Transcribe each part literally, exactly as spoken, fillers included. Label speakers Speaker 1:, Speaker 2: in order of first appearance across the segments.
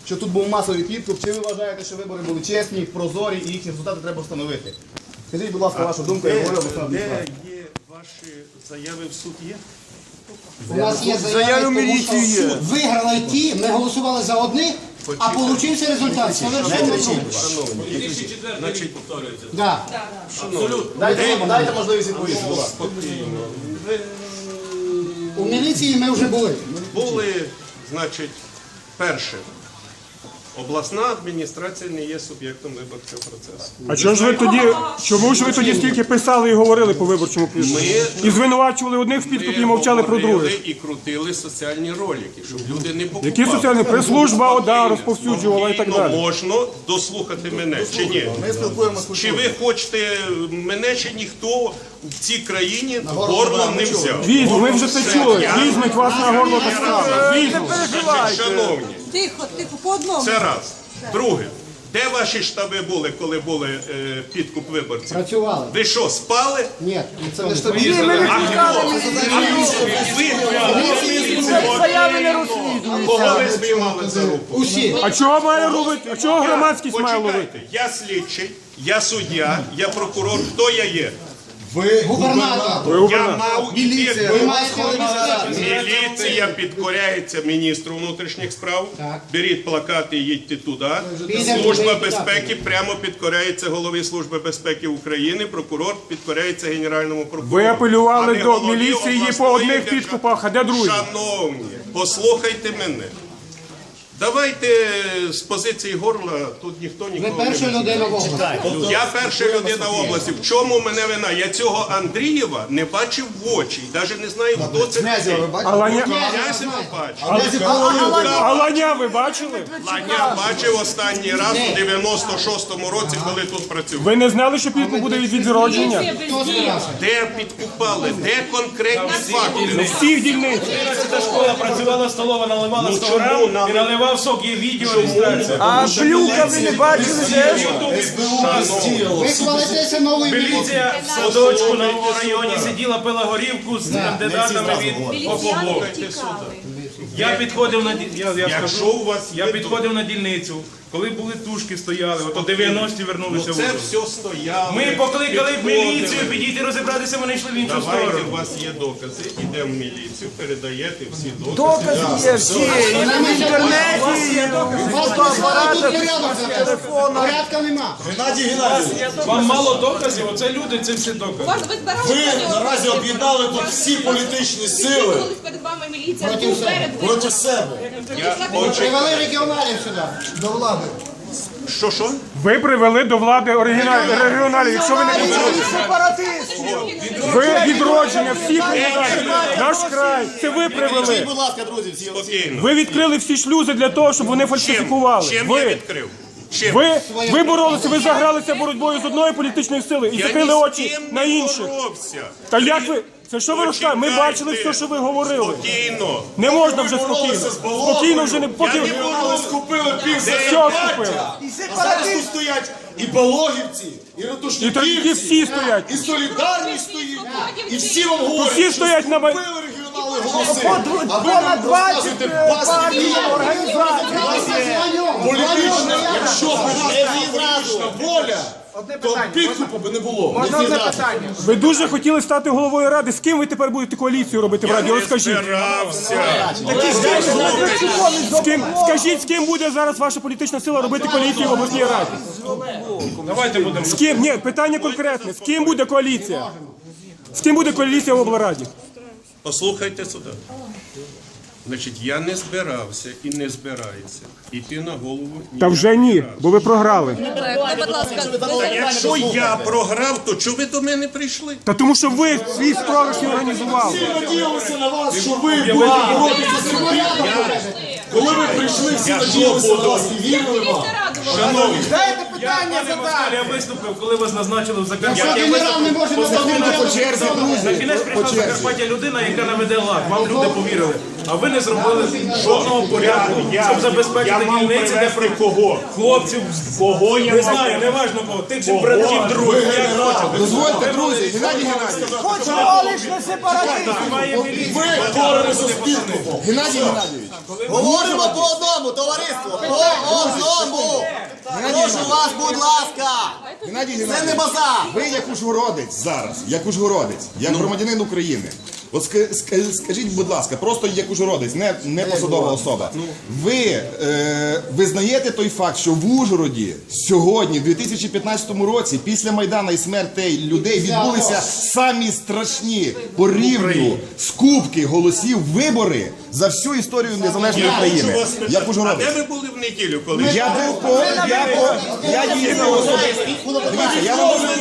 Speaker 1: що тут був масовий підкуп, чи ви вважаєте, що вибори були чесні, прозорі і їхні результати треба встановити? Скажіть, будь ласка, вашу думку, я говорю обласна адміністрація.
Speaker 2: Де є ваші заяви в суд є?
Speaker 3: У нас є заяви, тому що суд виграли ті, ми голосували за одних, а получився результат.
Speaker 2: Значить,
Speaker 3: Да.
Speaker 1: Дайте, дайте можливість відповісти, будь ласка.
Speaker 3: У міліції ми вже були.
Speaker 2: були, значить, перше. Обласна адміністрація не є суб'єктом виборчого процесу.
Speaker 4: А чого ж ви тоді, чому ж ви тоді стільки писали і говорили по виборчому підкупу? І звинувачували одних в підкупі і мовчали про
Speaker 2: говорили
Speaker 4: других?
Speaker 2: і крутили соціальні ролики, щоб люди не покупали.
Speaker 4: Які соціальні? Прес-служба ОДА розповсюджувала і так
Speaker 2: Спокійно
Speaker 4: далі.
Speaker 2: можна дослухати мене, чи ні?
Speaker 1: Ми спілкуємося з
Speaker 2: Чи ви хочете, мене ще ніхто в цій країні
Speaker 1: горло
Speaker 2: горлом не
Speaker 1: не чув.
Speaker 2: взяв.
Speaker 4: Візьму, ми вже це чули. Візьмуть вас на горло та справа. Візьмуть.
Speaker 2: Значить, шановні,
Speaker 5: Тихо, тихо, по одному.
Speaker 2: це раз. Друге, де ваші штаби були, коли були е, підкуп виборців?
Speaker 3: Працювали.
Speaker 2: Ви що, спали?
Speaker 3: Ні.
Speaker 1: Це не штабі.
Speaker 2: А хто? Ви
Speaker 4: Заяви не розслідують.
Speaker 2: кого ви спіймали за руку?
Speaker 3: Усі.
Speaker 4: А чого має робити? А чого громадськість має ловити?
Speaker 2: Почекайте, я слідчий, я суддя, я прокурор. Хто я є?
Speaker 1: Ви
Speaker 3: Губернатор.
Speaker 2: Я мав іти.
Speaker 3: Ви маєте
Speaker 2: Міліція підкоряється міністру внутрішніх справ.
Speaker 3: Так.
Speaker 2: Беріть плакати і їдьте туди.
Speaker 3: Підемо
Speaker 2: Служба
Speaker 3: туди.
Speaker 2: безпеки прямо підкоряється голові Служби безпеки України. Прокурор підкоряється генеральному прокурору.
Speaker 4: Ви апелювали
Speaker 2: А не
Speaker 4: до
Speaker 2: голові
Speaker 4: міліції по
Speaker 2: обласної
Speaker 4: одних
Speaker 2: держави.
Speaker 4: підкупах, а де другі?
Speaker 2: Шановні, послухайте мене. Давайте з позиції горла, тут ніхто
Speaker 3: Ви
Speaker 2: нікого не
Speaker 3: перша
Speaker 2: буде.
Speaker 3: людина в області.
Speaker 2: Я перша людина в області. В чому мене вина? Я цього Андрієва не бачив в очі. І навіть не знаю, хто це
Speaker 1: Князєва, ви
Speaker 2: такий.
Speaker 4: А Ланя,
Speaker 2: Я себе бачив.
Speaker 4: а Ланя ви бачили?
Speaker 2: Ланя бачив останній раз у дев'яносто шостому році, коли тут працював.
Speaker 4: Ви не знали, що підкуп буде від відродження?
Speaker 3: Хто сказав?
Speaker 2: Де підкупали? Де конкретні факти?
Speaker 4: Всіх дільниць.
Speaker 6: Ця школа працювала столова, наливала сто грам і наливав сок, є відео реєстрація.
Speaker 4: А блюка ви не бачили?
Speaker 3: Ви хвалитеся новою міліцією.
Speaker 6: Міліція в садочку на районі сиділа, пила горівку з кандидатами від ОПОБО. Я підходив на ді- я, я
Speaker 2: Якщо
Speaker 6: скажу,
Speaker 2: у вас
Speaker 6: я
Speaker 2: є
Speaker 6: підходив на дільницю, коли були тушки стояли, от у дев'яності вернулися
Speaker 2: Ну
Speaker 6: в
Speaker 2: це
Speaker 6: Ужгород.
Speaker 2: все стояло.
Speaker 6: Ми покликали
Speaker 2: підходили.
Speaker 6: міліцію, підійти розібратися, вони йшли в іншу
Speaker 2: Давайте,
Speaker 6: сторону.
Speaker 2: у вас є докази, йдемо в міліцію, передаєте всі докази.
Speaker 4: Докази є всі. І в інтернеті, і
Speaker 3: У вас тут порядок зараз. Порядка нема.
Speaker 6: Вам мало доказів, оце люди, це всі докази.
Speaker 5: Вас ви збирали
Speaker 7: Ви наразі об'єднали тут всі політичні сили
Speaker 5: Коли перед вами міліція,
Speaker 3: Проти
Speaker 5: тут
Speaker 3: себе.
Speaker 5: перед ви.
Speaker 7: проти себе.
Speaker 3: Привели регіоналів сюди. До влади.
Speaker 2: Що, що?
Speaker 4: ви привели до влади оригінальних регіоналів. Якщо ви не ви відродження всіх кандидатів, наш край, це ви привели.
Speaker 1: Скажіть, будь ласка, друзі, всі.
Speaker 2: Спокійно.
Speaker 4: Ви відкрили всі шлюзи для того, щоб вони
Speaker 2: Чим?
Speaker 4: фальсифікували.
Speaker 2: Чим я
Speaker 4: Ви,
Speaker 2: відкрив? Чим?
Speaker 4: ви, ви боролися, ви загралися боротьбою з одної політичної сили і
Speaker 2: Я
Speaker 4: закрили
Speaker 2: ні з
Speaker 4: очі
Speaker 2: ким
Speaker 4: на
Speaker 2: не
Speaker 4: інших.
Speaker 2: боровся.
Speaker 4: Та як ви? Це що ви розказуєте? Ми
Speaker 2: Почекайте.
Speaker 4: бачили все, що ви говорили.
Speaker 2: Спокійно.
Speaker 4: Не можна вже спокійно. Спокійно вже не поки.
Speaker 2: Я не буду.
Speaker 7: Скупили пів
Speaker 4: Все
Speaker 7: Закарпаття,
Speaker 4: купили.
Speaker 7: а зараз тут стоять і Пологівці, і
Speaker 4: І тоді
Speaker 7: Ратушниківці,
Speaker 4: всі стоять.
Speaker 7: і Солідарність стоїть, і всі вам говорять,
Speaker 4: Всі
Speaker 7: що
Speaker 4: стоять на май-
Speaker 7: скупили регіонали голоси, а ви нам розказуєте басні політична, якщо б була політична воля, то підкупу би не було.
Speaker 4: Ви дуже хотіли стати головою ради. З ким ви тепер будете коаліцію робити в раді?
Speaker 2: Я не
Speaker 4: Розкажіть.
Speaker 2: збирався.
Speaker 4: З ким, скажіть, з ким буде зараз ваша політична сила робити коаліцію в обласній раді?
Speaker 6: Давайте будемо.
Speaker 4: З ким? Ні, питання конкретне. З ким буде коаліція? З ким буде коаліція в облраді?
Speaker 2: Послухайте сюди. Значить, я не збирався і не збираюся йти на голову.
Speaker 4: Та вже ні, бо ви програли.
Speaker 5: Будь ласка,
Speaker 2: Та якщо я програв, то чого ви до мене прийшли?
Speaker 4: Та тому що ви свій спрогашні організували.
Speaker 7: Всі надіялися на вас, що ви будете боротися з собою. Коли ви прийшли, всі надіялися на вас і вірили вам.
Speaker 6: Шановні,
Speaker 7: Дайте
Speaker 6: я,
Speaker 7: питання
Speaker 6: пане Москаль,
Speaker 7: задати.
Speaker 6: я виступив, коли вас назначили в Закарпатті.
Speaker 3: Якщо
Speaker 6: Я
Speaker 3: генерал не може
Speaker 6: виступив
Speaker 3: надати
Speaker 6: по
Speaker 3: черзі,
Speaker 6: На кінець прийшла в Закарпаття людина, яка наведе лад. Вам люди повірили. А ви не зробили жодного порядку, щоб забезпечити дільниці, де
Speaker 2: кого?
Speaker 6: хлопців.
Speaker 2: Кого я
Speaker 6: Не знаю, не важно кого. Тих же братів других. як хочете.
Speaker 7: Дозвольте, друзі, Геннадій Геннадійович.
Speaker 6: Має міліція.
Speaker 7: Ви боремося з підкупом. Геннадій Геннадійович.
Speaker 1: Говоримо по одному, товариство. По одному. Прошу вас, будь ласка.
Speaker 7: Геннадій
Speaker 1: Це не
Speaker 7: Геннадійович.
Speaker 1: базар.
Speaker 7: Ви як ужгородець зараз, як ужгородець, як громадянин України. От ска- ска- скажіть, будь ласка, просто як ужгородець, не, не посадова особа. Ви е, визнаєте той факт, що в Ужгороді сьогодні, в дві тисячі п'ятнадцятому році, після Майдану і смертей людей відбулися самі страшні по рівню скупки голосів вибори за всю історію незалежної України. Як
Speaker 2: А де
Speaker 7: ужгородець.
Speaker 2: ви були в неділю, коли
Speaker 7: Я був по я по я їздив особисто. Дивіться, я вам можу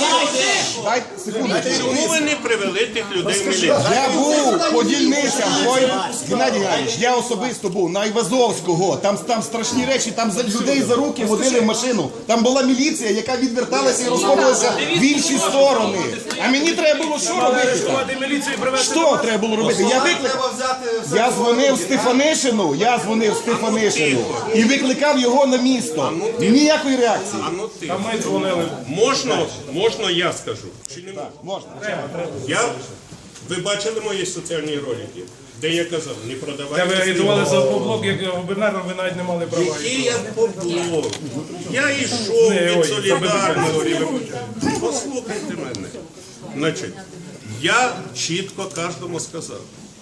Speaker 7: дайте секундочку.
Speaker 2: чому ви не привели тих людей в міліцію?
Speaker 7: Я був по дільницям, ой, Геннадій Геннадійович, я особисто був на Айвазовського, там, там страшні речі, там за людей за руки водили в машину. Там була міліція, яка відверталася і розходилася в інші сторони. А мені треба було що робити?
Speaker 6: Арештувати міліцію і привезти.
Speaker 7: Що треба було робити? Я викликав. Я дзвонив Стефанишину, я дзвонив Стефанишину і викликав його на місто. Ніякої реакції.
Speaker 2: А ну ти.
Speaker 6: А ми дзвонили.
Speaker 2: Можна, можна я скажу? Чи не можна?
Speaker 7: Можна.
Speaker 2: Я, ви бачили мої соціальні ролики, де я казав, не
Speaker 6: Де
Speaker 2: продавайте.
Speaker 6: ви
Speaker 2: свій
Speaker 6: агітували за
Speaker 2: голос.
Speaker 6: поблок, як губернатор, ви навіть не мали права.
Speaker 2: Який я поблок? Я йшов
Speaker 6: Не,
Speaker 2: від
Speaker 6: ой,
Speaker 2: солідарності. Послухайте мене. Значить, я чітко кожному сказав.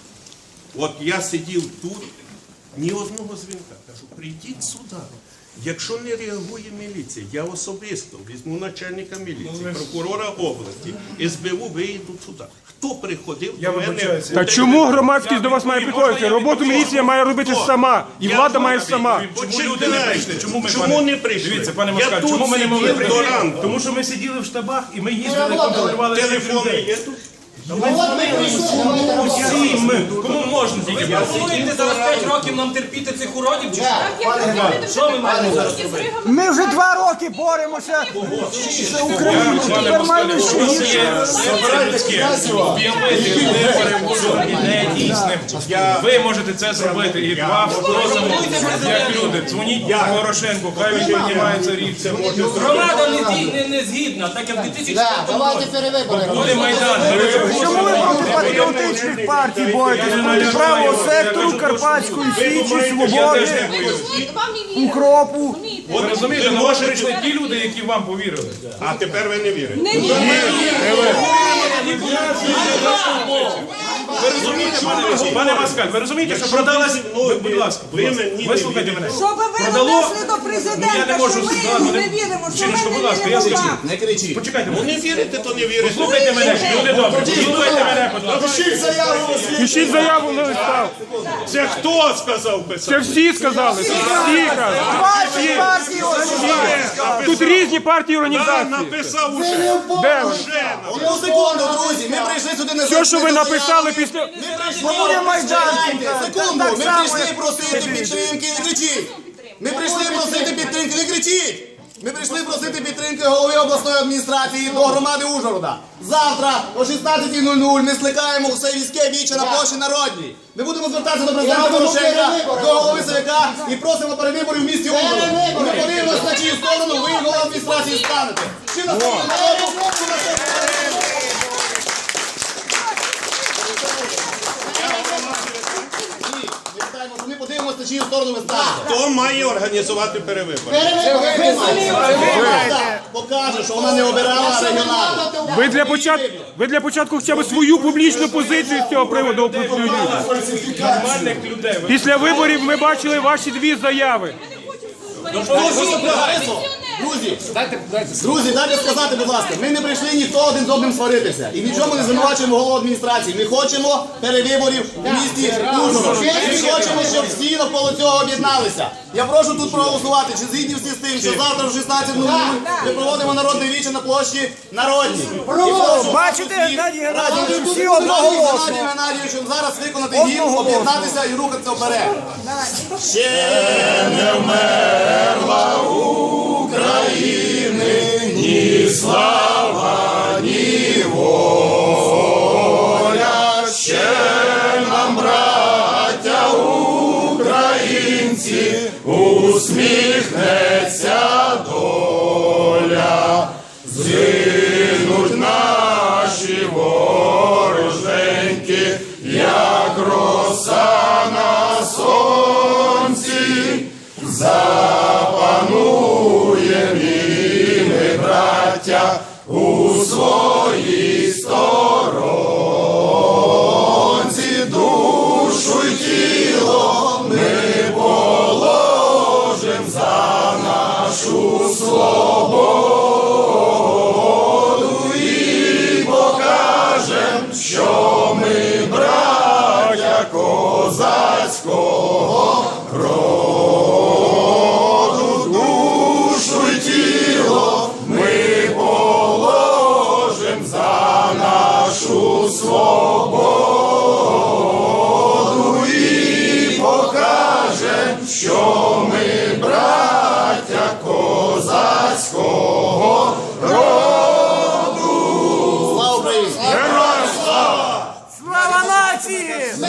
Speaker 2: От я сидів тут, ні одного дзвінка. Кажу, прийдіть сюди. Якщо не реагує міліція, я особисто візьму начальника міліції, прокурора області, ес бе у виїдуть сюди. Хто приходив
Speaker 6: Я
Speaker 2: до мене?
Speaker 6: вибачаюся.
Speaker 2: у
Speaker 4: Та
Speaker 2: день-
Speaker 4: чому громадськість до вас має
Speaker 6: Можна
Speaker 4: приходити?
Speaker 6: я
Speaker 4: Роботу
Speaker 6: відповім?
Speaker 4: міліція має робити
Speaker 2: Хто?
Speaker 4: сама. І
Speaker 2: Я
Speaker 4: влада має
Speaker 2: відповім.
Speaker 4: сама.
Speaker 6: Чому люди не прийшли? Чому ми,
Speaker 2: Чому
Speaker 6: пане?
Speaker 2: не прийшли?
Speaker 6: Дивіться, пане
Speaker 2: Я
Speaker 6: Москаль,
Speaker 2: тут
Speaker 6: чому ми не могли
Speaker 2: сидів
Speaker 6: прийти?
Speaker 2: до ранку.
Speaker 6: Тому що ми сиділи в штабах і ми їздили, контролювали цих
Speaker 2: Телефони
Speaker 6: людей.
Speaker 2: є тут?
Speaker 6: Всі ми. Кому можна тільки?
Speaker 8: Пропонуєте зараз п'ять років нам терпіти цих уродів? Чи що?
Speaker 5: Що ми маємо зараз робити?
Speaker 9: Ми вже два роки боремося за Україну. Тепер маємо ще гірше.
Speaker 6: Це людське. Об'явити вибори будуть не дійсним. Ви можете це зробити. І вас просимо, як люди. Дзвоніть Порошенку, хай він приймається рік. Це може зробити.
Speaker 8: громада не, згі- не, не згідна, так як в дві тисячі
Speaker 3: Да,
Speaker 8: четвертому
Speaker 3: давайте
Speaker 8: році.
Speaker 3: перевибори.
Speaker 6: Буде Майдан.
Speaker 9: Чому ви проти патріотичних партій боретесь? Проти правого сектору, Карпатської Січі, Свободи,
Speaker 5: Вам не вірять.
Speaker 9: Укропу.
Speaker 6: Ви розумієте, на вас прийшли ті люди, які вам повірили.
Speaker 2: А тепер ви не вірите.
Speaker 5: Не вірять.
Speaker 6: Ви розумієте, пане, пане Москаль, ви розумієте, що продалась... Ви, будь ласка, будь
Speaker 2: Ви
Speaker 6: ласка,
Speaker 2: мені
Speaker 6: ви слухайте
Speaker 2: не
Speaker 6: мене.
Speaker 5: Щоб ви
Speaker 6: Продало-
Speaker 5: донесли до
Speaker 6: Ну, я не
Speaker 5: президента,
Speaker 6: можу
Speaker 5: що ми
Speaker 6: зразу
Speaker 5: йому
Speaker 6: не-
Speaker 5: не віримо, що ми
Speaker 6: Жіночко, будь ласка,
Speaker 5: не
Speaker 6: я
Speaker 5: віримо
Speaker 6: скажу.
Speaker 5: вам.
Speaker 1: Не кричіть.
Speaker 6: Почекайте,
Speaker 2: Ну не вірите, то не вірите.
Speaker 6: слухайте мене, люди добрі, слухайте мене, будь ласка.
Speaker 7: Пишіть заяву на свій.
Speaker 4: Пишіть заяву на листах.
Speaker 2: Це хто сказав
Speaker 4: Це
Speaker 2: писати?
Speaker 4: всі сказали. Це всі кажуть.
Speaker 9: Партії, партії, організації.
Speaker 4: Тут різні партії і
Speaker 2: Я
Speaker 4: організації.
Speaker 2: написав уже.
Speaker 4: Де ви?
Speaker 1: Одну секунду, друзі, ми прийшли сюди не
Speaker 4: Все, що ви написали після...
Speaker 1: Ми прийшли,
Speaker 9: Буде Майдан.
Speaker 1: Чекайте, секунду,
Speaker 9: Так
Speaker 1: ми
Speaker 9: само,
Speaker 1: прийшли
Speaker 9: як
Speaker 1: просити підтримки, не кричіть. Ми прийшли просити підтримки, не кричіть. Ми прийшли просити підтримки голови обласної адміністрації до громади Ужгорода. Завтра о шістнадцятій нуль нуль ми скликаємо все війське віче на площі Народній. Ми будемо звертатися до президента Порошенка, до голови ЦВК і просимо перевиборів в місті Ужгород. І ми подивимося, на чию сторону ви, голова адміністрації, станете. Чи на сторону народу, чи на сторону. Ні, ми питаємо, що ми подивимося, на чию сторону ви станете.
Speaker 2: Хто має організувати перевибори?
Speaker 1: Влада покаже, що вона не обирала регіоналів.
Speaker 4: Ви для початку, ви для початку хоча б свою публічну позицію з цього приводу оприлюдніть.
Speaker 6: Нормальних людей. Ви-
Speaker 4: Після виборів ми бачили ваші дві заяви.
Speaker 1: Друзі, друзі, дайте сказати, будь ласка, ми не прийшли ніхто один з одним сваритися. І в чому не звинувачуємо голову адміністрації. Ми хочемо перевиборів у місті Ужгород. Ми хочемо, щоб всі навколо цього об'єдналися. Я прошу тут проголосувати, чи згідні всі з тим, що завтра в шістнадцять нуль нуль ми проводимо народне віче на площі Народній. І прошу
Speaker 9: Бачите,
Speaker 1: всіх
Speaker 9: Геннадій Геннадійович,
Speaker 1: разом
Speaker 9: всі
Speaker 1: з
Speaker 9: одноголосно.
Speaker 1: Геннадієм Геннадійовичем зараз виконати гімн, об'єднатися і рухатися вперед. Ще не вмерла
Speaker 7: усміхнеться доля, згинуть наші вороженьки, як роса на сонці, запануєм і ми, браття, у своїй сторонці, душу й тіло ми положим за нашу свободу і покажем, що ми браття козацького роду, душу й тіло ми положим за нашу свободу і покажем, що ми браття козацького роду.
Speaker 1: Слава Україні!
Speaker 9: Слава нації!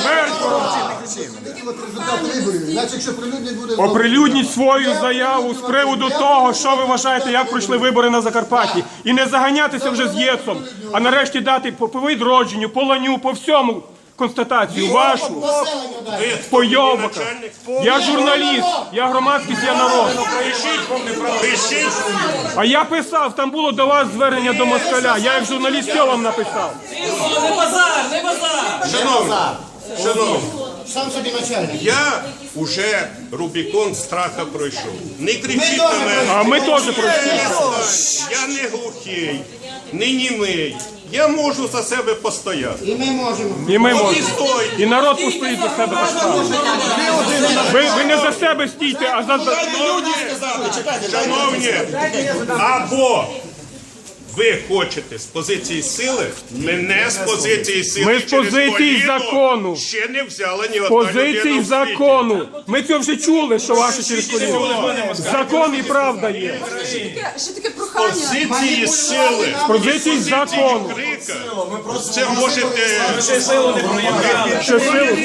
Speaker 3: Результати виборів. Значить, якщо прилюднить буде знову.
Speaker 4: Оприлюдніть свою заяву з приводу того, що ви вважаєте, як пройшли вибори на Закарпатті. І не заганятися вже з ЄЦом, а нарешті дати по, по відродженню, по ланю, по всьому констатацію вашу, по йобаках. Я журналіст, я громадськість, я народ.
Speaker 2: Пишіть.
Speaker 4: А я писав, там було до вас звернення до москаля. Я як журналіст все вам написав.
Speaker 8: Не базар, не базар!
Speaker 2: Шановні, шановні,
Speaker 3: Сам собі начальник.
Speaker 2: я уже Рубікон страха пройшов. Не кричіть на мене.
Speaker 4: А ми теж пройшли.
Speaker 2: Я не глухий, не німий. Я можу за себе постояти.
Speaker 3: І ми можемо.
Speaker 4: І ми
Speaker 2: От і
Speaker 4: можемо.
Speaker 2: стойте.
Speaker 4: І народ постоїть за себе так само. Ви, ви не за себе стійте, а за...
Speaker 2: Шановні, або ви хочете з позиції сили, мене з позиції сили
Speaker 4: Ми з
Speaker 2: через
Speaker 4: позиції
Speaker 2: коліно
Speaker 4: закону.
Speaker 2: ще не взяла ні одна
Speaker 4: Позиції
Speaker 2: людина в світі.
Speaker 4: закону. Ми це вже чули, що ваше через коліно. Закон і правда є.
Speaker 5: Ще таке, ще таке прохання.
Speaker 2: Позиції сили.
Speaker 4: Позиції закону.
Speaker 2: Крика. Це можете...
Speaker 6: Ще силу не проявляли.
Speaker 4: Що сили?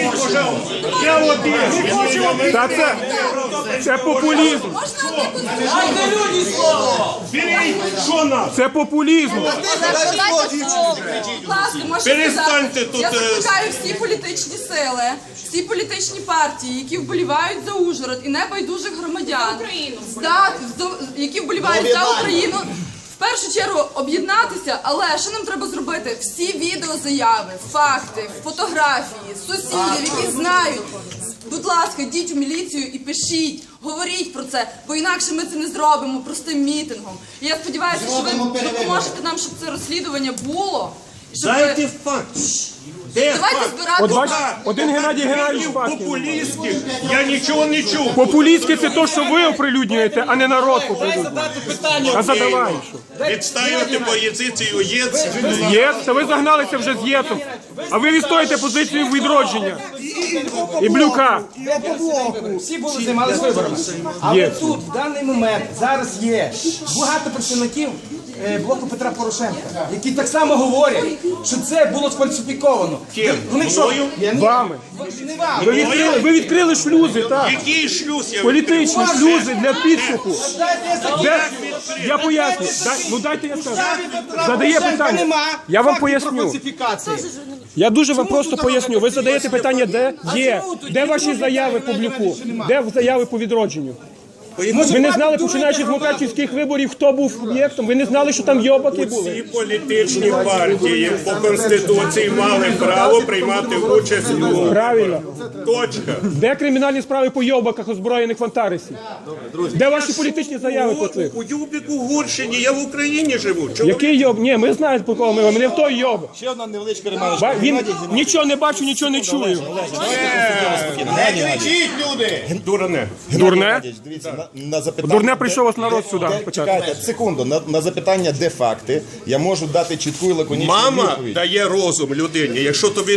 Speaker 2: Я один.
Speaker 4: Та це, це популізм.
Speaker 5: Можна якусь...
Speaker 8: Дайте людям слово!
Speaker 2: Беріть, що нас?
Speaker 4: Це популізм.
Speaker 5: Дайте слово. Будь ласка, можете
Speaker 2: Перестаньте
Speaker 5: сказати.
Speaker 2: тут,
Speaker 5: Я
Speaker 2: е,
Speaker 5: закликаю всі політичні сили, всі політичні партії, які вболівають за Ужгород і небайдужих громадян, здати, які вболівають за Україну, в першу чергу об'єднатися, але що нам треба зробити? Всі відеозаяви, факти, фотографії, сусідів, які знають. Будь ласка, йдіть у міліцію і пишіть, говоріть про це, бо інакше ми це не зробимо простим мітингом. І я сподіваюся, що ви допоможете нам, щоб це розслідування було. і щоб ви-
Speaker 2: Дайте факт. Де
Speaker 5: Давайте
Speaker 2: факт?
Speaker 5: збирати.
Speaker 4: От бачите, один Геннадій Геннадійович Пакін.
Speaker 2: Популістських я нічого не чув.
Speaker 4: Популістське це те, що ви оприлюднюєте, а не народ оприлюднює.
Speaker 8: Задати питання.
Speaker 4: А задавай.
Speaker 2: Відстаювати позицію ЄЦ.
Speaker 4: ЄС, це ви загналися вже з ЄСом. А ви відстоїте позицію відродження. І Блюка.
Speaker 9: Всі були займалися виборами. Але
Speaker 4: Є.
Speaker 9: тут, в даний момент, зараз є багато представників е, блоку Петра Порошенка, які так само говорять, що це було сфальсифіковано.
Speaker 2: Ким?
Speaker 9: Вони що?
Speaker 2: Мною?
Speaker 9: Я не-
Speaker 4: Вами.
Speaker 9: Не вам.
Speaker 4: Ви відкрили, ви відкрили шлюзи, так.
Speaker 2: Який шлюз я
Speaker 4: Політичні шлюзи для підкупу.
Speaker 9: Дайте я закінчу.
Speaker 4: Де? Я поясню. Дай, ну дайте я скажу. Задає
Speaker 9: Порошенка
Speaker 4: питання.
Speaker 9: нема
Speaker 4: Я вам
Speaker 9: фактів про
Speaker 4: поясню.
Speaker 9: фальсифікації.
Speaker 4: Я дуже вам просто поясню. Ви задаєте питання, де є. Де ваші заяви по Блюку? Де заяви по відродженню? Ви не знали, починаючи з мукачівських виборів, хто був об'єктом? Ви не знали, що там йобаки
Speaker 2: Всі
Speaker 4: були?
Speaker 2: політичні партії по Конституції мали право приймати участь у...
Speaker 4: Правильно.
Speaker 2: Точка.
Speaker 4: Де кримінальні справи по йобаках озброєних в Антаресі? Де ваші політичні заяви по цих?
Speaker 2: У Юбіку Гурщині, я в Україні живу. Чого
Speaker 4: Який йоб? Ні, ми знаємо, по кого ми. Ми не в той йоб.
Speaker 7: Ще одна невеличка
Speaker 4: Ба- Він нічого не бачу, нічого не чую.
Speaker 1: Не кричіть, люди!
Speaker 2: дурне?
Speaker 4: Дурне?
Speaker 7: Дивіться, на, на запитання...
Speaker 4: Дурне прийшов ось народ сюди.
Speaker 7: Де-
Speaker 4: почати.
Speaker 7: Чекайте, секунду, на, на запитання, де факти, я можу дати чітку і лаконічну
Speaker 2: Мама
Speaker 7: відповідь.
Speaker 2: дає розум людині. Якщо тобі